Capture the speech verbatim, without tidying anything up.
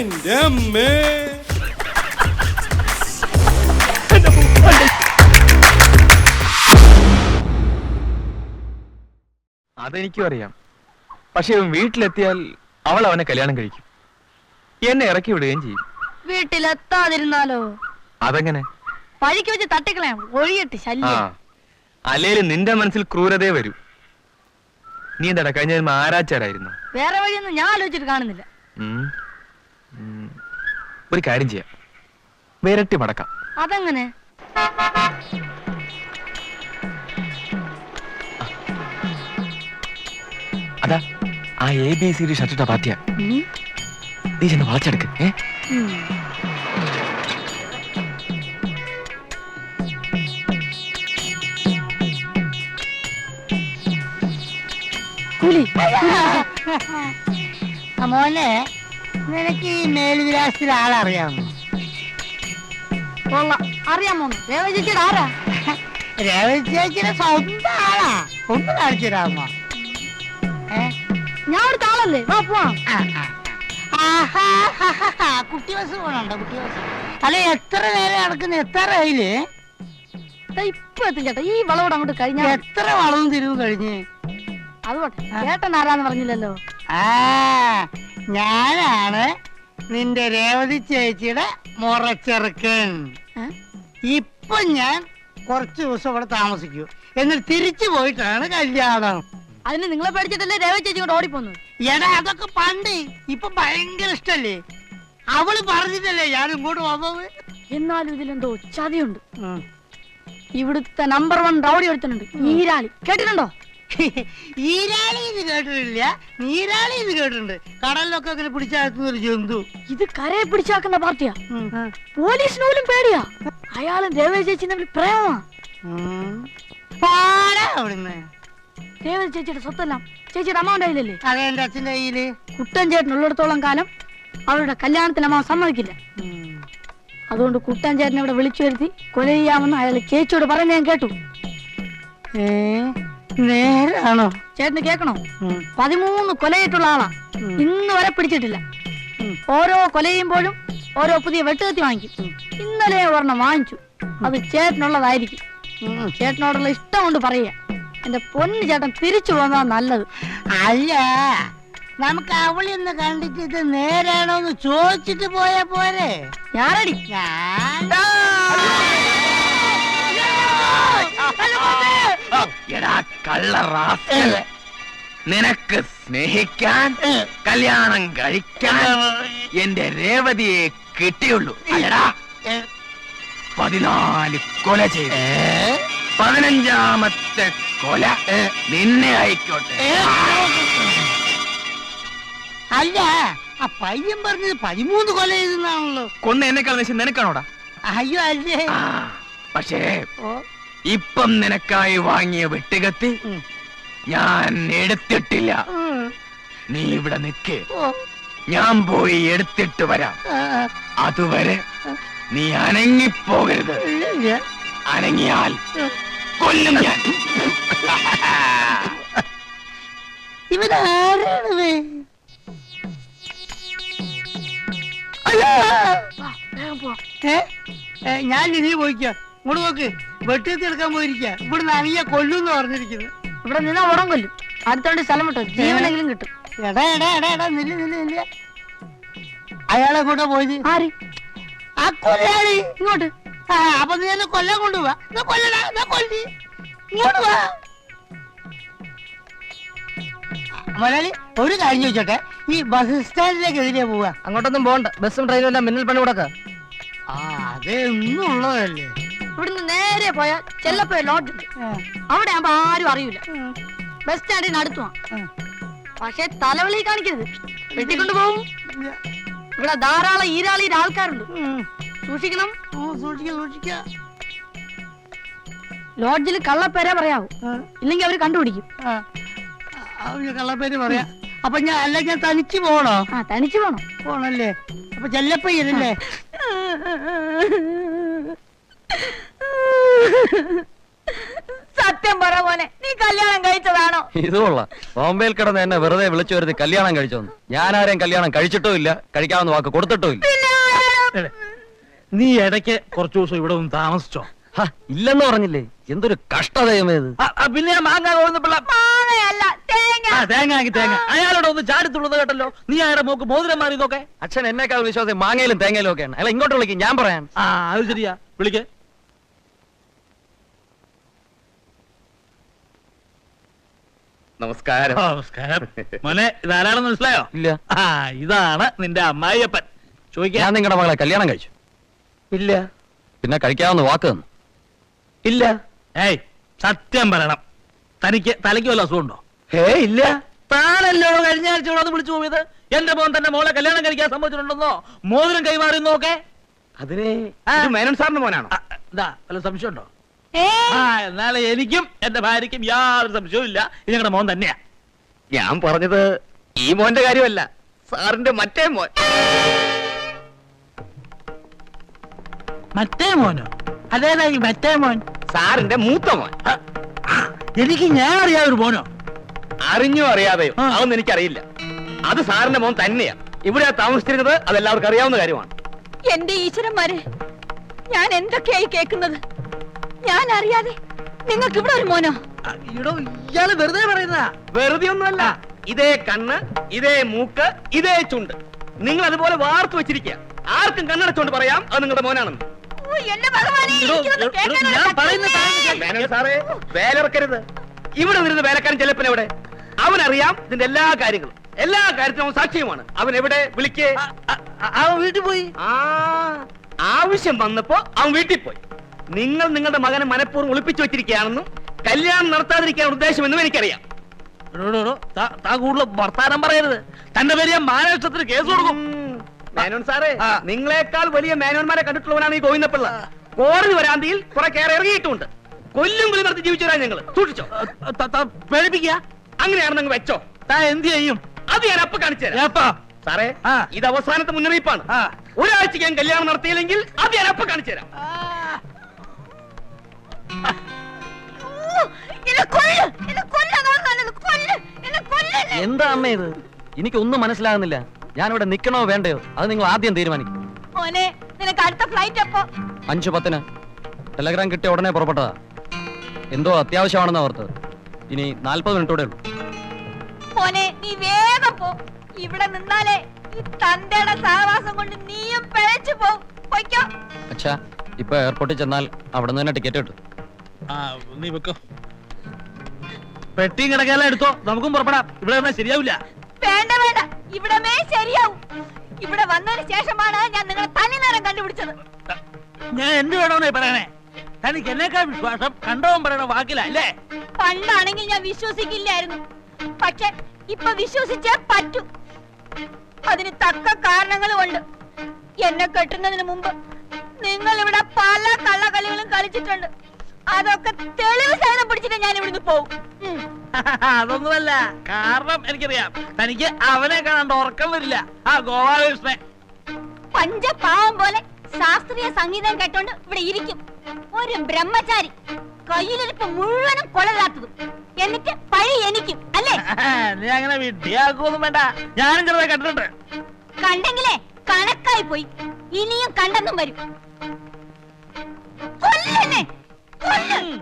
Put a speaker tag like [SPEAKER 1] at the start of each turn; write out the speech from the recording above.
[SPEAKER 1] എന്റെ അമ്മേ.
[SPEAKER 2] അതെനിക്കും അറിയാം. പക്ഷെ വീട്ടിലെത്തിയാൽ അവൾ അവനെ കല്യാണം കഴിക്കും, എന്നെ ഇറക്കി വിടുകയും ചെയ്യും.
[SPEAKER 3] വീട്ടിലെത്താതിരുന്നാലോ?
[SPEAKER 2] അതെങ്ങനെ?
[SPEAKER 3] പഴിക്ക് വെച്ച് തട്ടിക്കളയാം, ഒഴിയിട്ട് ശല്യം.
[SPEAKER 2] അല്ലേലും നിന്റെ മനസ്സിൽ ക്രൂരതേ വരൂ. നീ എന്താടാ കഴിഞ്ഞ ജന്മം ആരാച്ചാരായിരുന്നു?
[SPEAKER 3] വേറെ വഴിയൊന്നും ഞാൻ ആലോചിച്ചിട്ട് കാണുന്നില്ല.
[SPEAKER 2] ഒരു കാര്യം ചെയ്യാം, വിരട്ടി മടക്കാം.
[SPEAKER 3] അതെങ്ങനെ?
[SPEAKER 2] അതാ ആ എ ബി സി ഡി ഷർട്ടിട്ട പാർട്ടിയാ. നീ ചെന്ന് വളച്ചെടുക്ക്. ഏ
[SPEAKER 4] മോനെ, നിനക്ക് ഈ മേൽവിലാസത്തിൽ ആളറിയാമോ?
[SPEAKER 3] അറിയാമോ? രേവതി ചേച്ചിയുടെ ആരാ?
[SPEAKER 4] രേവതി ചേച്ചിയുടെ സ്വന്തം ആളാ. ഒന്ന് കാണിച്ചു തരാമോ?
[SPEAKER 3] ഞാൻ ഒരു ആളല്ലേ, വാ പോവാം.
[SPEAKER 4] കുട്ടി ബസ് പോണുണ്ടോ? കുട്ടി ബസ് അല്ലെ? എത്ര നേരം നടക്കുന്ന? എത്ര ആയില്ലേ?
[SPEAKER 3] ഇപ്പൊ എത്തും ചേട്ടാ. ഈ വളവോട് അങ്ങോട്ട് കഴിഞ്ഞാൽ
[SPEAKER 4] എത്ര വളവും തിരിവും കഴിഞ്ഞ്?
[SPEAKER 3] അതുകൊണ്ട് ചേട്ടൻ ആരാന്ന് പറഞ്ഞില്ലല്ലോ.
[SPEAKER 4] ആ, ഞാനാണ് നിന്റെ രേവതി ചേച്ചിയുടെ മുറച്ചെറുക്കൻ. ഇപ്പൊ ഞാൻ കുറച്ചു ദിവസം ഇവിടെ താമസിക്കൂ, എന്നിട്ട് തിരിച്ചു പോയിട്ടാണ് കല്യാണം.
[SPEAKER 3] അതിന് നിങ്ങളെ പേടിച്ചിട്ടല്ലേ രേവതി ചേച്ചി കൊണ്ട് ഓടിപ്പോന്നു?
[SPEAKER 4] എടാ, അതൊക്കെ പണ്ട്. ഇപ്പൊ ഭയങ്കര ഇഷ്ടല്ലേ? അവള് പറഞ്ഞിട്ടല്ലേ ഞാൻ ഇങ്ങോട്ട് വന്നത്.
[SPEAKER 3] എന്നാലും ഇതിലെന്തോ ചതിയുണ്ട്. ഇവിടുത്തെ നമ്പർ വൺ റൗഡി ഒരുത്തനുണ്ട്, ഈരാളി. കേട്ടിട്ടുണ്ടോ?
[SPEAKER 4] ഈരാളി ഇത് കേട്ടിട്ടില്ല, നീരാളി ഇത് കേട്ടിട്ടുണ്ട്. കടലിലൊക്കെ അങ്ങനെ പിടിച്ചാക്കുന്ന ഒരു ജന്തു.
[SPEAKER 3] ഇത് കരയെ പിടിച്ചാക്കുന്ന പാർട്ടിയാ. പോലീസിന് പോലും പേടിയാ. അയാളും രേവതി ചേച്ചി തമ്മിൽ പ്രേമമാ.
[SPEAKER 4] അവിടുന്ന്
[SPEAKER 3] രേവതി ചേച്ചിയുടെ സ്വത്തെല്ലാം ചേച്ചിയുടെ അമ്മാവന്റെ കയ്യിലല്ലേ?
[SPEAKER 4] അതെ, എന്റെ അച്ഛന്റെ കയ്യില്.
[SPEAKER 3] കുട്ടൻ ചേട്ടൻ ഉള്ളിടത്തോളം കാലം അവരുടെ കല്യാണത്തിന് അമ്മാവൻ സമ്മതിക്കില്ല. അതുകൊണ്ട് കുട്ടൻ ചേട്ടനെ ഇവിടെ വിളിച്ചു വരുത്തി കൊല ചെയ്യാമെന്ന് അയാൾ ചേച്ചിയോട് പറയുന്നത് ഞാൻ കേട്ടു.
[SPEAKER 4] ഏ, നേരാണോ?
[SPEAKER 3] ചേട്ടന് കേൾക്കണോ? പതിമൂന്ന് കൊലയിട്ടുള്ള ആളാ, ഇന്ന് വരെ പിടിച്ചിട്ടില്ല. ഓരോ കൊല ചെയ്യുമ്പോഴും ഓരോ പുതിയ വെട്ടുകത്തി വാങ്ങിക്കും. ഇന്നലെ ഒരെണ്ണം വാങ്ങിച്ചു, അത് ചേട്ടനുള്ളതായിരിക്കും. ചേട്ടനോടുള്ള ഇഷ്ടം കൊണ്ട് പറയുക. എന്റെ പൊന്നു ചേട്ടൻ തിരിച്ചു പോന്നാ നല്ലത്.
[SPEAKER 4] അല്ല, നമുക്ക് അവളിന്ന് കണ്ടിട്ട് ഇത് നേരാണോന്ന് ചോദിച്ചിട്ട് പോയാ പോരെ?
[SPEAKER 3] ഞാനടി
[SPEAKER 2] നിനക്ക് സ്നേഹിക്കാൻ കല്യാണം കഴിക്കാൻ എന്റെ രേവതിയെ കിട്ടിയുള്ളൂ. പതിനാല് കൊല ചെയ്തു, പതിനഞ്ചാമത്തെ കൊല നിന്നെ ആയിക്കോട്ടെ.
[SPEAKER 4] അല്ല, ആ പയ്യൻ പറഞ്ഞത് പതിമൂന്ന് കൊല ചെയ്തെന്നാണല്ലോ.
[SPEAKER 2] കൊന്ന എന്നെക്കാൾ നിശ്ചയം നിനക്കാണോടാ?
[SPEAKER 4] അയ്യോ അല്ലേ.
[SPEAKER 2] പക്ഷേ ഇപ്പം നിനക്കായി വാങ്ങിയ വെട്ടുകത്തി ഞാൻ എടുത്തിട്ടില്ല. നീ ഇവിടെ നിൽക്ക്, ഞാൻ പോയി എടുത്തിട്ട് വരാം. അതുവരെ നീ അനങ്ങിപ്പോകരുത്. അനങ്ങിയാൽ കൊല്ലും ഞാൻ.
[SPEAKER 4] ഇവനാരാണ്? ഞാൻ നീ പോയിക്കോ, ഇങ്ങോട്ട് നോക്ക്. വെട്ടിയെത്തി എടുക്കാൻ പോയിരിക്ക. ഇവിടെ നനിയ കൊല്ലുന്ന് പറഞ്ഞിരിക്കുന്നു.
[SPEAKER 3] ഇവിടെ നിന്നാ ഉടൻ കൊല്ലും. അടുത്തോണ്ട് സ്ഥലം വിട്ടോ, ജീവനെങ്കിലും കിട്ടും.
[SPEAKER 4] എടാ എടാ എടാ എടാ നില്ല നില്ല നില്ല. അയാളെ കൂടെ പോയത്
[SPEAKER 3] ആര്?
[SPEAKER 4] ആ കൊല്ലാളി.
[SPEAKER 3] ഇങ്ങോട്ട്.
[SPEAKER 4] ആ, അപ്പൊ നീ എന്നെ കൊല്ലാൻ കൊണ്ടുപോവാ. കൊല്ലടാ, കൊല്ലി. ഇങ്ങോട്ട് വാ. മലയാളി, ഒരു കാര്യം ചോദിച്ചോട്ടെ, ഈ ബസ് സ്റ്റാൻഡിലേക്ക് എതിരെ പോവാ?
[SPEAKER 3] അങ്ങോട്ടൊന്നും പോകണ്ട, ബസ്സും ട്രെയിനും എല്ലാം മിന്നൽ പണി കൊടുക്ക.
[SPEAKER 4] ആ, അതേ ഒന്നും ഉള്ളതല്ലേ.
[SPEAKER 3] ഇവിടുന്ന് നേരെ പോയാൽ ചെല്ലപ്പോ ലോഡ്ജ് ഉണ്ട്. അവിടെ ആകുമ്പോ ആരും അറിയില്ല. ബസ് സ്റ്റാൻഡിന് അടുത്തുവാ. പക്ഷെ തലവളി കാണിക്കരുത്, വെട്ടിക്കൊണ്ടു പോകും. ഇവിടെ ധാരാളം ഈരാളിയുടെ ആൾക്കാരുണ്ട്, സൂക്ഷിക്കണം.
[SPEAKER 4] സൂക്ഷിക്കാം സൂക്ഷിക്കാം.
[SPEAKER 3] ലോഡ്ജിൽ കള്ളപ്പേരെ പറയാവൂ, ഇല്ലെങ്കിൽ അവര് കണ്ടുപിടിക്കും.
[SPEAKER 4] കള്ളപ്പേര് പറയാ. അപ്പൊ ഞാൻ അല്ല, ഞാൻ തനിച്ച് പോണോ?
[SPEAKER 3] ആ, തനിച്ച് പോണോ?
[SPEAKER 4] പോണല്ലേ. അപ്പൊ ചെല്ലപ്പയ്യനല്ലേ?
[SPEAKER 3] സത്യം പറ മോനെ, നീ കല്യാണം കഴിച്ചതാണോ?
[SPEAKER 1] ഇതുകൊള്ള ബോംബെയിൽ കിടന്ന് എന്നെ വെറുതെ വിളിച്ചു വരുത്തി കല്യാണം കഴിച്ചോന്ന്. ഞാൻ ആരെയും കല്യാണം കഴിച്ചിട്ടും ഇല്ല, കഴിക്കാമെന്ന് വാക്ക് കൊടുത്തിട്ടും ഇല്ല.
[SPEAKER 5] നീ ഇടയ്ക്ക് കുറച്ചു ദിവസം ഇവിടെ ഒന്ന് താമസിച്ചോ?
[SPEAKER 1] ഹ, ഇല്ലെന്ന് പറഞ്ഞില്ലേ? എന്തൊരു കഷ്ടതയമേത്.
[SPEAKER 5] ആ, ആ, പിന്നെ ഞാൻ മാങ്ങ പോകുന്നപ്പോഴ
[SPEAKER 3] മാങ്ങയല്ല, തേങ്ങ.
[SPEAKER 5] തേങ്ങ ആക്കി തേങ്ങ അയാളോട് ഒന്ന് ചാടിത്തുള്ളത് കേട്ടല്ലോ. നീ അയാളുടെ മോക്ക് മോതിരം മാറി നോക്കെ.
[SPEAKER 1] അച്ഛൻ എന്നെക്കാൾ വിശ്വാസം മാങ്ങയിലും തേങ്ങയിലും ഒക്കെയാണ്. അല്ല, ഇങ്ങോട്ട് വിളിക്കും, ഞാൻ പറയാൻ.
[SPEAKER 5] ആ അത് ശരിയാ, വിളിക്കേ.
[SPEAKER 2] നമസ്കാരം.
[SPEAKER 5] നമസ്കാരം. മോനെ, ഇതാരാണെന്ന് മനസ്സിലായോ?
[SPEAKER 1] ഇല്ല.
[SPEAKER 5] ആ ഇതാണ് നിന്റെ അമ്മായിയപ്പൻ. ചോദിക്കാൻ.
[SPEAKER 1] ഞാൻ നിങ്ങളുടെ മകളെ കല്യാണം കഴിച്ചു.
[SPEAKER 2] ഇല്ല.
[SPEAKER 1] പിന്നെ കഴിക്കാമെന്ന് വാക്ക് തന്നു.
[SPEAKER 2] ഇല്ല.
[SPEAKER 5] ഏയ് സത്യം പറയണം, തനിക്ക് തലയ്ക്ക് വല്ല അസുഖമുണ്ടോ?
[SPEAKER 2] ഹേ ഇല്ല.
[SPEAKER 5] താനല്ലോ കഴിഞ്ഞ ആഴ്ച ഇവിടെ വന്ന് വിളിച്ചു പോയത്. എന്റെ മോൻ തന്റെ മോളെ കല്യാണം കഴിക്കാൻ സംഭവിച്ചിട്ടുണ്ടെന്നോ മോതിരം കൈമാറിയെന്നോക്കെ.
[SPEAKER 2] അതിനെ മേനോൻ സാറിന്റെ മോനാണോ?
[SPEAKER 5] ഇതാ വല്ല സംശയമുണ്ടോ?
[SPEAKER 3] ഏയ്,
[SPEAKER 5] ആ എന്നാലും എനിക്കും എന്റെ ഭാര്യയ്ക്കും യാതൊരു സംശയവും ഇല്ല, ഇത് ഞങ്ങളുടെ മോൻ തന്നെയാ.
[SPEAKER 2] ഞാൻ പറഞ്ഞത് ഈ മോന്റെ കാര്യമല്ല, സാറിന്റെ മറ്റേ മോൻ.
[SPEAKER 5] മറ്റേ മോനോ? അതേതാ ഈ മറ്റേ മോൻ?
[SPEAKER 2] സാറിന്റെ മൂത്ത മോൻ.
[SPEAKER 5] ആ, എനിക്ക് ഞാൻ അറിയാതൊരു മോനോ?
[SPEAKER 2] അറിഞ്ഞോ അറിയാതെയോ
[SPEAKER 5] ആ.
[SPEAKER 2] അതൊന്നും എനിക്കറിയില്ല. അത് സാറിന്റെ മോൻ തന്നെയാ. ഇവിടെ താമസിച്ചിരുന്നത് അതെല്ലാവർക്കും അറിയാവുന്ന കാര്യമാണ്.
[SPEAKER 3] എന്റെ ഈശ്വരന്മാരെ, ഞാൻ എന്തൊക്കെയായി കേൾക്കുന്നത്? ഞാൻ അറിയാതെ നിങ്ങൾക്ക് ഇവിടെ ഒരു മോനോ?
[SPEAKER 5] ആ, ഇടോ ഇയാള് വെറുതെ പറയുന്നതാ.
[SPEAKER 2] വെറുതെ ഒന്നുമല്ല. ഇതേ കണ്ണ്, ഇതേ മൂക്ക്, ഇതേ ചുണ്ട്. നിങ്ങൾ അതുപോലെ വാർത്തു വെച്ചിരിക്കുക. ആർക്കും കണ്ണടച്ചോണ്ട് പറയാം അത് നിങ്ങളുടെ മോനാണെന്ന്.
[SPEAKER 3] ഓ, എന്റെ ഭഗവാനെ,
[SPEAKER 5] ഇടോ,
[SPEAKER 3] എനിക്കിതൊന്നും
[SPEAKER 5] ഇടോ,
[SPEAKER 3] കേൾക്കാനുള്ള
[SPEAKER 5] ഞാൻ പറയുന്ന
[SPEAKER 3] ശക്തിയില്ലേ?
[SPEAKER 5] കാര്യം കേൾക്ക്.
[SPEAKER 2] മേനോൻ സാറേ, വേലിറക്കരുത്. ഇവിടെ വരുന്ന വേലക്കാരൻ ചെലപ്പൻ എവിടെ? അവനറിയാം ഇതിന്റെ എല്ലാ കാര്യങ്ങളും. എല്ലാ കാര്യത്തിനും അവൻ സാക്ഷിയുമാണ്. അവൻ എവിടെ? വിളിക്കേ.
[SPEAKER 5] ആ, ആ, ആ, അവൻ വീട്ടിൽ പോയി.
[SPEAKER 2] ആ ആവശ്യം വന്നപ്പോ അവൻ വീട്ടിൽ പോയി. നിങ്ങൾ നിങ്ങളുടെ മകനെ മനഃപൂർവ്വം ഒളിപ്പിച്ചു വെച്ചിരിക്കുകയാണെന്നും കല്യാണം നടത്താതിരിക്കാൻ ഉദ്ദേശമെന്നും എനിക്കറിയാം.
[SPEAKER 5] എടോ, എടോ, എടോ, താ- താ കൂടുതൽ വർത്താനം പറയരുത്. തന്റെ പേര് ഞാൻ മാനനഷ്ടത്തിന് കേസ് കൊടുക്കും.
[SPEAKER 2] ഉം. മേനോൻ സാറേ,
[SPEAKER 5] ആ.
[SPEAKER 2] നിങ്ങളെക്കാൾ വലിയ മേനോന്മാരെ കണ്ടിട്ടുള്ളവനാണ് ഈ ഗോവിന്ദപ്പിള്ള. കോടതി വരാന്തിയിൽ കുറെ കയറി ഇറങ്ങിയിട്ടുണ്ട്. കൊല്ലും വിളി നടത്തി ജീവിച്ചവരാ ഞങ്ങള്. സൂക്ഷിച്ചോ.
[SPEAKER 5] ത- ത- പേടിപ്പിക്കുക.
[SPEAKER 2] അങ്ങനെയാണെന്ന് അങ്ങ് വെച്ചോ.
[SPEAKER 5] താ എന്ത് ചെയ്യും?
[SPEAKER 2] അത് ഞാൻ അപ്പൊ കാണിച്ചു തരാം.
[SPEAKER 5] ഏപ്പാ?
[SPEAKER 2] സാറേ,
[SPEAKER 5] ആ.
[SPEAKER 2] ഇത് അവസാനത്തെ മുന്നറിയിപ്പാണ്.
[SPEAKER 5] ആ.
[SPEAKER 2] ഒരാഴ്ചക്ക് ഞാൻ കല്യാണം നടത്തിയില്ലെങ്കിൽ അത് ഞാൻ അപ്പൊ കാണിച്ചു തരാം.
[SPEAKER 3] ഓ, എന്നെ കൊല്ല്, എന്നെ കൊല്ലതാണ് നല്ലത്. കൊല്ല്, എന്നെ കൊല്ലല്ലേ.
[SPEAKER 1] എന്താ അമ്മ ഇത്? എനിക്കൊന്നും മനസ്സിലാകുന്നില്ല. ഞാനിവിടെ നിൽക്കണോ വേണ്ടയോ അത് നിങ്ങൾ ആദ്യം തീരുമാനിക്കും.
[SPEAKER 3] മോനെ, നിനക്ക് അടുത്ത ഫ്ലൈറ്റ് അപ്പോ?
[SPEAKER 1] അഞ്ചു പത്തിന് ടെലഗ്രാം കിട്ടിയ ഉടനെ പുറപ്പെട്ടതാ. എന്തോ അത്യാവശ്യമാണെന്ന് ഓർത്തത്. ഇനി നാൽപ്പത് മിനിറ്റോടെ ഉള്ളൂ.
[SPEAKER 3] മോനെ, നീ വേഗം പോ. ഇവിടെ നിന്നാലേ ഈ തന്തയുടെ സഹവാസം കൊണ്ട് നീയും പിഴച്ചു പോവും. പൊയ്ക്കോ.
[SPEAKER 1] അച്ഛാ, ഇപ്പൊ എയർപോർട്ടിൽ ചെന്നാൽ അവിടെ നിന്ന് തന്നെ ടിക്കറ്റ് കിട്ടും.
[SPEAKER 5] ആ, നീ വെക്കോ. പെട്ടിയും കിടക്കാല എടുത്തോ, നമുക്കും പുറപ്പെടാം. ഇവിടെ വന്നാൽ ശരിയാവില്ല.
[SPEAKER 3] വേണ്ട വേണ്ട, ഇവിടമേ ശരിയാവും. ഇവിടെ വന്നതിന് ശേഷമാണ് ഞാൻ നിങ്ങളെ തനി നേരം കണ്ടുപിടിച്ചത്.
[SPEAKER 5] ഞാൻ എന്ത് വേണമെന്നേ പറയണേ? തനിക്ക് എന്നേക്കാൾ വിശ്വാസം കണ്ടവൻ പറയണ വാക്കില അല്ലേ?
[SPEAKER 3] പണ്ടാണെങ്കിൽ ഞാൻ വിശ്വസിക്കില്ലായിരുന്നു. പക്ഷെ ഇപ്പൊ വിശ്വസിച്ചേ പറ്റൂ. അതിന് തക്ക കാരണങ്ങളും ഉണ്ട്. എന്നെ കെട്ടുന്നതിന് മുമ്പ് നിങ്ങൾ ഇവിടെ പല കള്ളക്കളികളും കളിച്ചിട്ടുണ്ട്. അതൊക്കെ തെളിവ് സഹിതം പിടിച്ചിട്ട് ഞാൻ ഇവിടുന്ന് പോവും. ഉം.
[SPEAKER 5] അതൊന്നുമല്ല, കാരണം എനിക്കറിയാം തനിക്ക് അവനെ കാണാണ്ട് ഉറക്കം വരില്ല. ആ ഗോപാലകൃഷ്ണൻ
[SPEAKER 3] പഞ്ചപാവം പോലെ ശാസ്ത്രീയ സംഗീതം കേട്ടോണ്ട് ഇവിടെ ഇരിക്കും. ഒരു ബ്രഹ്മചാരി, കയ്യിലിരിപ്പ് മുഴുവനും കൊളരാത്തതും. എന്നിട്ട് പഴി എനിക്കും അല്ലേ?
[SPEAKER 5] നീ അങ്ങനെ വിഡ്ഢിയാക്കൊന്നും വേണ്ട. ഞാനും ചെറുതായി കണ്ടിട്ടുണ്ട്.
[SPEAKER 3] കണ്ടെങ്കിലേ കണക്കായി പോയി. ഇനിയും കണ്ടെന്നും വരും. കൊല്ലെന്നെ, കൊല്ല്.